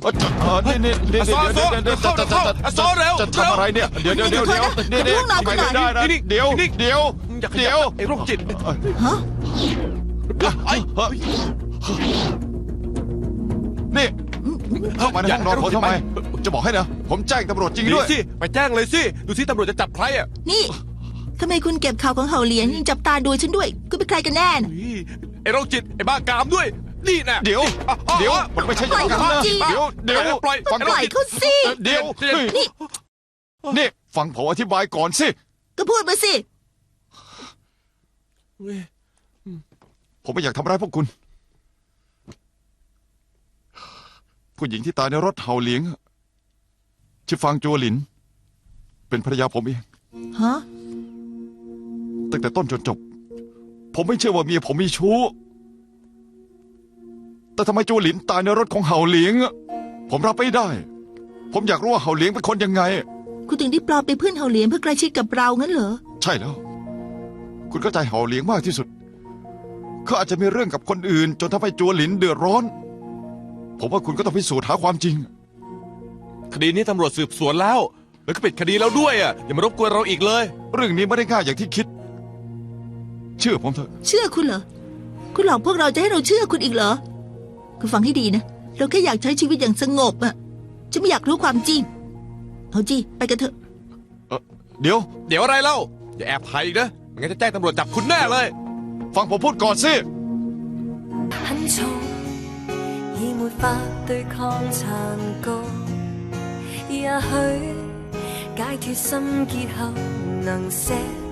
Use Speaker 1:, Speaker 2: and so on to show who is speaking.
Speaker 1: นี่
Speaker 2: ซอเร็ว
Speaker 1: จะทำอะไรเนี่ยเดี๋ยว
Speaker 2: ไอ้โรคจิต
Speaker 3: ฮะ
Speaker 1: นี่เข้ามาในห้องนอนผมทำไมจะบอกให้นะผมแจ้งตำรวจจริงด้วย
Speaker 2: สิไปแจ้งเลยสิดูสิตำรวจจะจับใครอ่ะ
Speaker 3: นี่ทำไมคุณเก็บข่าวของเฮาเหลียนยังจับตาดูฉันด้วยคุณเป็นใครกันแน่นะ
Speaker 2: ไอ้โรคจิตไอ้บ้ากามด้วยนี่นะ
Speaker 1: เดี๋ยวมันไม่ใช่อย่างนั้นนะเดี๋ยว
Speaker 2: ปล่อย
Speaker 3: ปล่อยเขาสิ
Speaker 1: เดี๋ยวนี่ฟังผมอธิบายก่อนสิ
Speaker 3: ก็พูดมาสิ
Speaker 1: ผมไม่อยากทำร้ายพวกคุณผู้หญิงที่ตายในรถเฮาเหลียงชื่อฟางจัวหลินเป็นภรรยาผมเอง
Speaker 3: ฮะ
Speaker 1: ตั้งแต่ต้นจนจบผมไม่เชื่อว่าเมียผมมีชู้แต่ทำไมจัวหลินตายในรถของเฮาเหลียงผมรับไม่ได้ผมอยากรู้ว่าเฮาเหลียงเป็นคนยังไง
Speaker 3: คุณถึงได้ปลอมเป็นเพื่อนเฮาเหลียงเพื่อใกล้ชิดกับเรางั้นเหรอ
Speaker 1: ใช่แล้วคุณเข้าใจเฮาเหลียงมากที่สุดเขาอาจจะมีเรื่องกับคนอื่นจนทำให้จัวหลินเดือดร้อนผมว่าคุณก็ต้องพิสูจน์หาความจริง
Speaker 2: คดีนี้ตำรวจสืบสวนแล้วก็ปิดคดีแล้วด้วยอ่ะอย่ามารบกวนเราอีกเลย
Speaker 1: เรื่องนี้ไม่ได้ง่ายอย่างที่คิดเชื่อผมเถอะ
Speaker 3: เชื่อคุณเหรอคุณหลอกพวกเราจะให้เราเชื่อคุณอีกเหรอคุณฟังให้ดีนะเราแค่อยากใช้ชีวิตอย่างสงบอ่ะจะไม่อยากรู้ความจริงเอาจีไปกันเถอะ
Speaker 1: เดี๋ยว
Speaker 2: อะไรเล่าอย่าแอบถ่ายอีกนะไม่งั้นจะแจ้งตำรวจจับคุณแน่เลย
Speaker 1: ฟังผมพูดก่อนสิ
Speaker 4: 已沒法對抗殘局，也許解脫心結後能寫。